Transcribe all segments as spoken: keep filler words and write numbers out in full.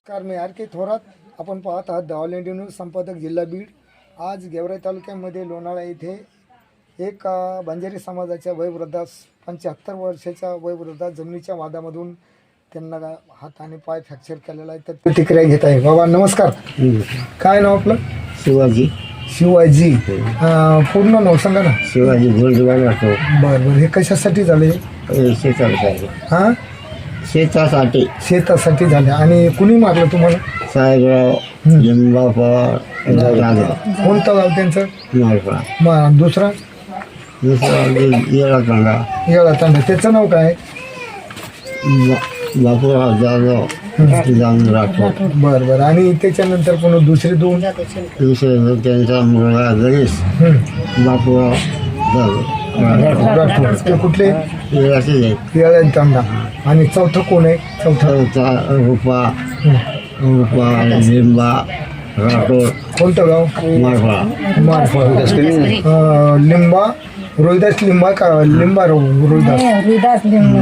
नमस्कार, मी R K Thorat. आपण पाहत आहात द ऑल इंडिया न्यूज संपादक जिल्हा बीड. आज गेवराई तालुक्यामध्ये लोणाळा येथे एक अ, बंजारी समाजाच्या वयोवृद्धास पंच्याहत्तर वर्षाच्या वयोवृद्धा जमिनीच्या वादामधून त्यांना हात आणि पाय फ्रॅक्चर केलेला आहे. तर प्रतिक्रिया घेत आहे. बाबा नमस्कार. काय नाव आपलं? शिवाजी शिवाजी. अ, पूर्ण नाव सांगा ना. शिवाजी गोल्डवान राहतो. बरं बरं. हे कशासाठी झाले? शेतासाठी हां, शेतासाठी शेतासाठी झाले. आणि कुणी मारलं तुम्हाला? साहेबराव लिंबा पवार कोणतं गाव त्यांचं? मालपा मग दुसरा दुसरा येळा तांडा येळा तांडा. त्याचं नाव काय? बापूराव जाधव जाऊन राठोड. बरं बरं. आणि त्याच्यानंतर पुन्हा दुसरे दोन? दुसरे त्यांचा मुलगा गणेश बापूराव जाधव राठोड. ते कुठले? येळाचे आहेत. येळा तांडा. आणि चौथं कोण आहे? चौथं चौथा रुपा रुपा लिंबा राठोड कोणतं गाव? मालपा मारफळ. लिंबा रोहिदास लिंबा का लिंबा रो रोहिदास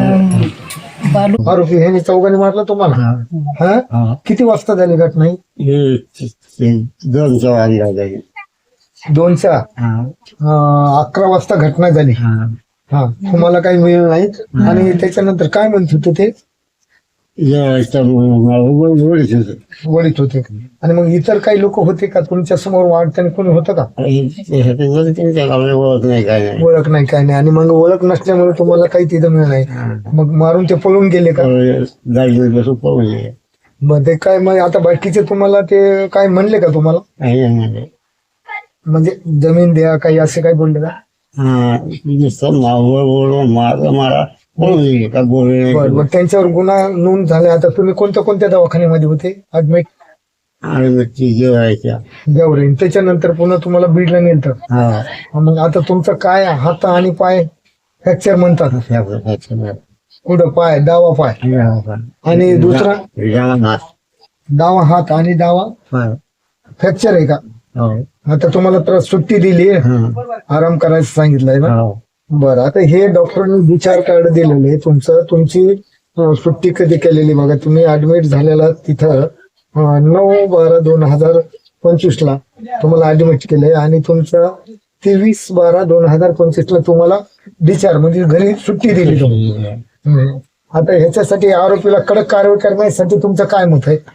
आरोपी ह्याने चौघांनी मारला तुम्हाला? हा. किती वाजता झाली घटना ही? हे दोनचा वाजला जाईल. दोनच्या अं, अकरा वाजता घटना झाली. हा. तुम्हाला काही मिळलं नाहीत. आणि त्याच्यानंतर काय म्हणत होते ते? वळीत होते. आणि मग इतर काही लोक होते का तुमच्या समोर? वाढताना कोणी होतं का? ओळख नाही काय नाही. ओळख नाही काय नाही. आणि मग ओळख नसल्यामुळे तुम्हाला काही तिथं मिळलं नाही. मग मारून ते पळून गेले का? गाडीवर बसून पळून गेले. मग ते काय मग आता बाकीचे तुम्हाला ते काय म्हणले का तुम्हाला? काही नाही. म्हणजे जमीन द्या काही असे काय बोलले का? हा नुसतं मावळ ओळून मारा मारा पळून गेले का गोळे. बरं. मग त्यांच्यावर गुन्हा नोंद झाला. आता तुम्ही कोणत्या कोणत्या दवाखान्यामध्ये होते ऍडमिट? आणि ती जेवायच्या. गौरी. त्याच्यानंतर पुन्हा तुम्हाला बीडला नेलं. हा मग आता तुमचं काय हात आणि पाय फ्रॅक्चर म्हणतात? कुठं पाय? डावा पाय. आणि दुसरा डावा हात आणि डावा फ्रॅक्चर आहे का? आता तुम्हाला तर सुट्टी दिली, आराम करायचं सांगितलंय ना? बरं. आता हे डॉक्टरांनी विचार कार्ड दिलेलं आहे तुमचं. तुमची अं, सुट्टी कधी केलेली बघा. तुम्ही ऍडमिट झालेला तिथं अं, नऊ बारा दोन हजार पंचवीस ला तुम्हाला ऍडमिट केलंय. आणि तुमचं तेवीस बारा दोन हजार पंचवीस ला तुम्हाला डिस्चार्ज म्हणजे घरी सुट्टी दिली तुम्ही. हम्म. आता ह्याच्यासाठी आरोपीला कडक कारवाई करण्यासाठी तुमचं काय मत आहे?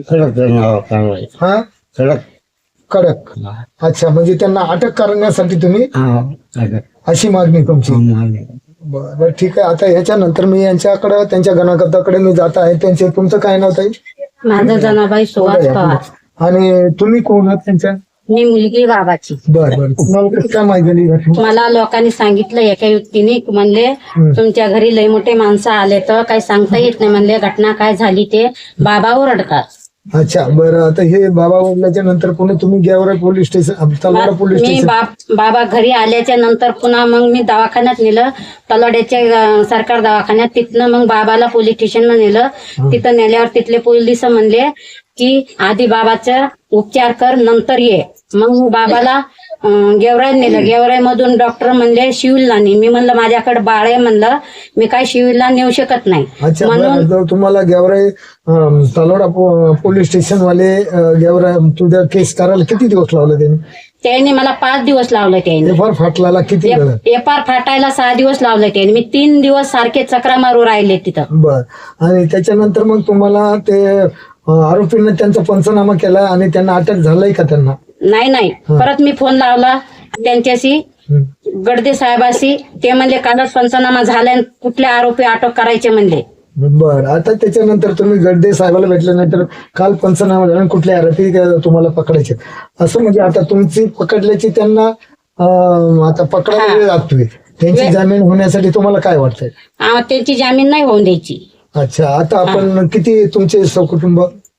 कडक हा, कडक कडक. अच्छा, म्हणजे त्यांना अटक करण्यासाठी तुम्ही अशी मागणी तुमची? बरं बरं, ठीक आहे. आता ह्याच्यानंतर मी यांच्याकडे त्यांच्या गणकर्त्याकडे मी जात आहे. त्यांचे तुमचं काय नाव ताई? माझं जनाबाई सुहास पवार. आणि तुम्ही कोण आहात त्यांच्या? मी मुलगी बाबाची. बरं बरं. तुम्हाला कसं काय माहिती झाली घटना? मला लोकांनी सांगितलं एका व्यक्तीने म्हणले तुमच्या घरी लय मोठे माणसं आले तर काही सांगता येत नाही म्हणले घटना काय झाली ते बाबा ओरडतात. अच्छा, बरं. आता हे बाबा बोलल्याच्या नंतर पुन्हा तुम्ही Gevrai police station Talwada police मी स्टेशन बाप- बाबा घरी आल्याच्या नंतर पुन्हा मग मी दवाखान्यात नेलं तलवाड्याच्या अं, सरकार दवाखान्यात. तिथनं मग बाबाला पोलीस स्टेशनला नेलं. तिथं नेल्यावर तिथले पोलीस म्हणले की आधी बाबाचा उपचार कर नंतर ये. मग मी बाबाला अं, गेवराईत नेलं. गेवराई मधून डॉक्टर म्हणले शिवीलला नाही. मी म्हणलं माझ्याकडे बाळ आहे म्हणलं मी काय शिवीलला नेऊ शकत नाही. अच्छा, म्हणून बरं. तर तुम्हाला गेवराई अं, तलवाडा पो- पोलीस स्टेशन वाले अं, गेवराई तुझ्या केस करायला किती दिवस लावले त्यांनी? त्यांनी मला पाच दिवस लावले. त्यांनी एफ आर फाटला किती वेळ? एफ आर फाटायला सहा दिवस लावले. त्यांनी मी तीन दिवस सारखे चक्रा मारू राहिले तिथं. बर. आणि त्याच्यानंतर मग तुम्हाला ते अं, आरोपींना त्यांचा पंचनामा केला आणि त्यांना अटक झालाय का त्यांना? नाही नाही. परत मी फोन लावला त्यांच्याशी हं. गडदे साहेबाशी. ते म्हणले कालच पंचनामा झालाय कुठले आरोपी अटक करायचे म्हणले. बर. आता त्याच्यानंतर तुम्ही गडदे साहेबाला भेटल्यानंतर काल पंचनामा झाला कुठले आरोपी तुम्हाला पकडायचे असं म्हणजे आता तुमची पकडल्याची त्यांना अं, आता पकडायला वेळ लागतोय. त्यांची जामीन होण्यासाठी तुम्हाला काय वाटतंय? आ, त्यांची जामीन नाही होऊन द्यायची. अच्छा, आता आपण किती तुमचे सहकुटुंब?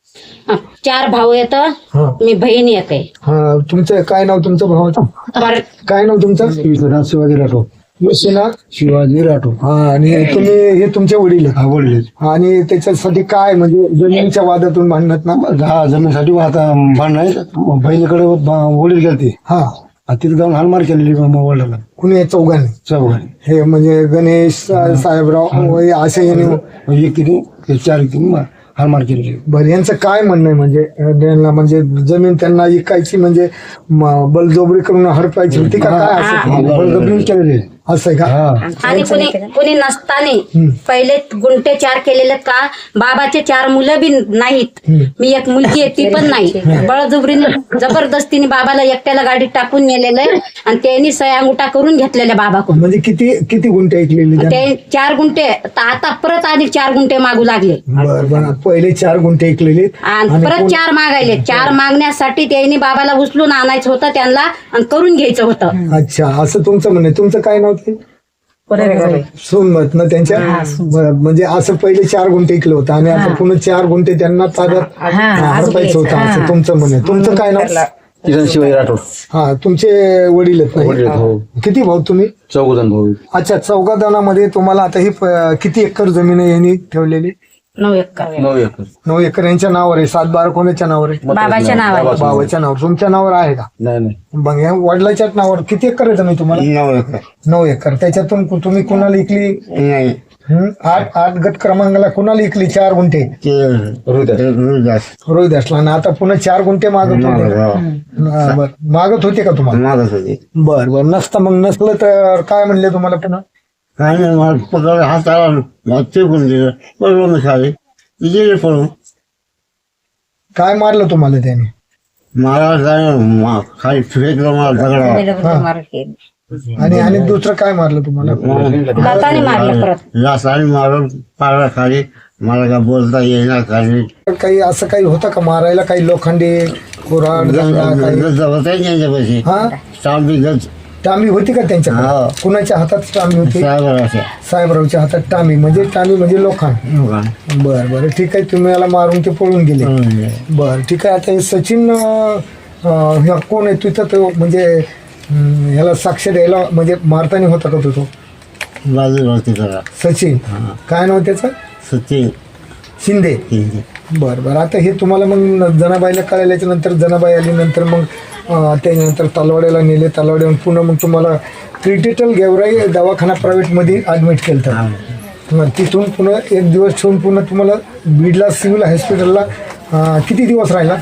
आ, चार भाऊ येत हा मी बहीण एक आहे. हा. तुमचं काय नाव तुमचं भावाचं? पर- काय नाव तुमचं? शिवाजी राठोड. विश्वनाथ शिवाजी राठोड. हा. आणि तुम्ही हे तुमचे वडील आहेत? वडील. आणि त्याच्यासाठी काय म्हणजे जमिनीच्या वादातून भांडणात ना? दहा जमिनीसाठी आता भांडण आहे. बहिणीकडे वडील गेलते. हा. तिथे जाऊन हालमार केलेली वडिलांना कुणी चौघांनी? चौघांनी. हे म्हणजे गणेश साहेबराव असे याने एक किती चार किती हारमार केलेली. बरं, यांचं काय म्हणणं आहे म्हणजे अं, त्यांना म्हणजे जमीन त्यांना इकायची म्हणजे म- बलजबरी करून हडपायची होती का काय असं बळजबरी केलेली. असं आहे का? आणि कुणी कुणी नसताना पहिले गुंठे चार केलेले का बाबाचे चार मुलं बी नाहीत. मी एक मुलगी आहे ती पण नाही. बळजबरीने जबरदस्तीने बाबाला एकट्याला गाडीत टाकून नेलेलं आहे आणि त्यांनी सह्या अंगुठा करून घेतलेल्या बाबाकडून. म्हणजे किती किती गुंठे ऐकलेली त्यांना? ते चार गुंठे तर आता परत आणि चार गुंठे मागू लागले बरं बरं, पहिले चार गुंठे ऐकलेले आणि परत चार मागायले. चार मागण्यासाठी त्यांनी बाबाला उचलून आणायचं होतं त्यांना आणि करून घ्यायचं होतं. अच्छा, असं तुमचं म्हणणं आहे. तुमचं काय नाव ते? सोनमत ना त्यांच्या. बरं, म्हणजे असं पहिले चार गुंठे ऐकलं होतं आणि आता पुन्हा चार गुंठे त्यांना ताब्यात हडपायचं होतं असं तुमचं म्हणणं आहे. तुमचं काय नाव? किरण शिवाजी राठोड. हा, तुमचे वडील आहेत वडील आहेत, ना? हो. किती भाऊ तुम्ही? चौघजण भाऊ. अच्छा, चौघा जणांमध्ये तुम्हाला आता ही प- किती एकर जमीन आहे यांनी ठेवलेली? नऊ एकर नऊ एकर. नऊ एकर यांच्या नावावर आहे. सात बारा कोणाच्या नावावर आहे? बाबाच्या नावावर. बाबाच्या नावावर. तुमच्या नावावर आहे का? नाही नाही. मग या वडिलाच्याच नावावर किती एकर आहे जमीन तुम्हाला? नऊ एकर नऊ एकर. त्याच्यातून कु- तुम्ही कुणाला इकली? नाही हं? आठ आठ गट क्रमांकाला कुणाला इकली? चार गुंठे ते हृदय. रोहिदास रोहित असला आणि आता पुन्हा चार गुंठे मागत होते का? हा, बरं. मागत होते का तुम्हाला? मागत होते. बर बर, नसतं मग नसलं तर काय म्हणले तुम्हाला पुन्हा? काय नाही, मला पकड हाताला मग फेकून दिलं. बरोबर मी खाली गेले पळून. काय मारलं तुम्हाला त्याने? मला काय मा- खाली फेकलं मला दगडा. आणि आणि दुसरं काय मारलं तुम्हाला? लाताने मारलं परत. लासाने मारून पाडला खाली. मला काय बोलता येईना काही. काही असं काही होतं का मारायला? काही लोखंडी कुऱ्हाड दंडा काही? गज होता त्यांच्यापाशी. हा, तांबी गज टांबी होती का त्यांच्याकडे? हा. कुणाच्या हातात टांबी होती? साहेब अशा साहेबरावच्या हातात टांबी. म्हणजे टांबी म्हणजे लोखंड. लोकांना. बर बर, ठीक आहे. तुम्ही याला मारून ते पळून गेले. बर, ठीक आहे. आता हे सचिन अं, अं, ह्या कोण आहे तिथं? तो म्हणजे अं, ह्याला साक्ष द्यायला म्हणजे मारताना होता का तो? तो बाजूला तिकडा सचिन. काय नाव त्याचं? सचिन शिंदे. शिंदे. बर बर, आता हे तुम्हाला मग जनाबाईला कळल्याच्या नंतर जनाबाई आली. नंतर मग अं, त्याच्यानंतर तलवाड्याला नेले. तलवाड्याहून पुन्हा मग तुम्हाला क्रिटिकल गेवराई दवाखाना प्रायव्हेटमध्ये ॲडमिट केलं होतं. मग तिथून पुन्हा एक दिवस ठेवून पुन्हा तुम्हाला बीडला सिव्हिल हॉस्पिटलला अं, किती दिवस राहिला?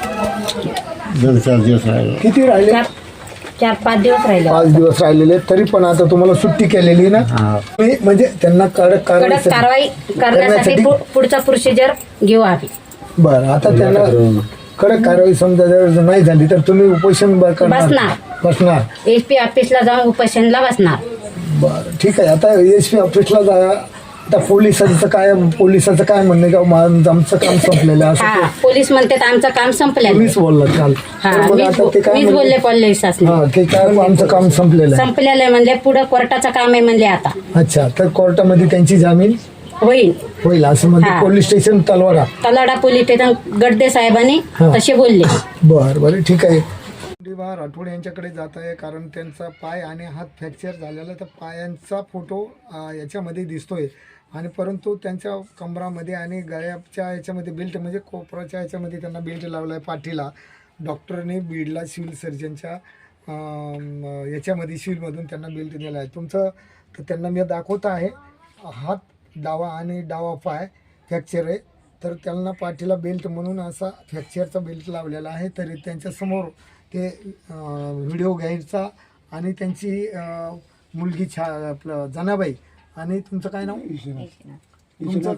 दोन चार दिवस राहिले. किती राहिले? चार चार पाच दिवस राहिले. पाच दिवस राहिलेले. तरी पण आता तुम्हाला सुट्टी केलेली ना? हा. मी म्हणजे त्यांना कडक कडक कारवाई. कारवाई करण्यासाठी पु- पुढचा प्रोसिजर घेऊ आम्ही. बरं, आता त्यांना कडक कारवाई समजा जर नाही झाली तर तुम्ही उपोषण ब- करणार? बसणार. बसणार. एस पी ऑफिसला जाऊन उपोषणला बसणार. बरं, ठीक आहे. आता एस पी ऑफिसला जा. आता पोलिसांचं काय? पोलिसाचं काय म्हणणं आहे का मा- आमचं काम संपलेलं आहे हा, असं? पोलीस म्हणतात आमचं काम संपलेलं आहे. मीच बोलला काल. हा, तर मग मीच आता ते काय मीच म्हणले? बोलले पोलिसांनी. हा, ते काय आमचं काम संपलेलं आहे. संपलेलं आहे म्हणले पुढे कोर्टाचं काम आहे म्हणले आता अच्छा, तर कोर्टामध्ये त्यांची जामीन होईल. होईल असं म्हणजे हा. Police station Talwada. Talada police station Gadade साहेबांनी हा. तसे बोलले. बर बर, ठीक आहे. दिवा राठोड यांच्याकडे जात आहे कारण त्यांचा पाय आणि हात फ्रॅक्चर झालेला. तर पायांचा फोटो अं, याच्यामध्ये दिसतोय आणि परंतु त्यांच्या कमरामध्ये आणि गळ्याच्या याच्यामध्ये बेल्ट म्हणजे कोपराच्या याच्यामध्ये त्यांना बेल्ट लावला आहे पाठीला. डॉक्टरने बीडला सिव्हिल सर्जनच्या अं, याच्यामध्ये सिव्हिलमधून त्यांना बेल्ट दिला आहे. तुमचं तर त्यांना मी दाखवत आहे. हात डावा आणि डावा पाय फ्रॅक्चर आहे. तर त्यांना पाठीला बेल्ट म्हणून असा फ्रॅक्चरचा बेल्ट लावलेला आहे. तरी त्यांच्यासमोर ते व्हिडिओ घ्यायचा आणि त्यांची अं, मुलगी छा आपलं जनाबाई. आणि तुमचं काय नाव? तुमचं?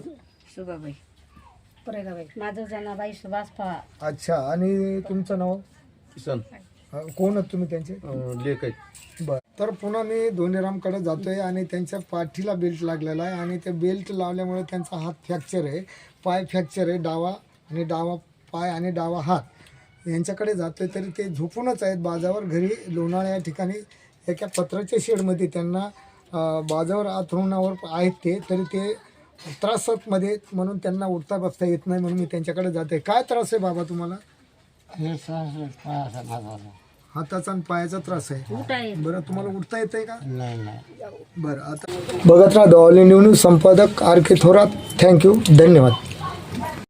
माझं जनाबाई सुभाष पवार. अच्छा, आणि तुमचं नाव? किसन. अं, कोण आहेत तुम्ही त्यांचे? लेख आहेत. बरं, तर पुन्हा मी धोनीरामकडे जातोय आणि त्यांच्या पाठीला बेल्ट लागलेला आहे आणि ते बेल्ट लावल्यामुळे त्यांचा हात फ्रॅक्चर आहे, पाय फ्रॅक्चर आहे डावा, आणि डावा पाय आणि डावा हात यांच्याकडे जातोय. तरी ते झोपूनच आहेत बाजावर. घरी लोणाळा या ठिकाणी एका पत्राच्या शेडमध्ये त्यांना अं, बाजावर अंथरुणावर आहेत ते. तरी ते त्रासामध्ये म्हणून त्यांना उठता बसता येत नाही म्हणून मी त्यांच्याकडे जाते. काय त्रास आहे बाबा तुम्हाला? हे सहा- पायाचा भाग आला. हाताचा आणि पायाचा त्रास आहे. बरं, तुम्हाला उठता येत आहे का? नाही नाही. बरं, आता बघत राहा द ऑल इंडिया न्यूज संपादक आर के थोरात. थँक्यू, धन्यवाद.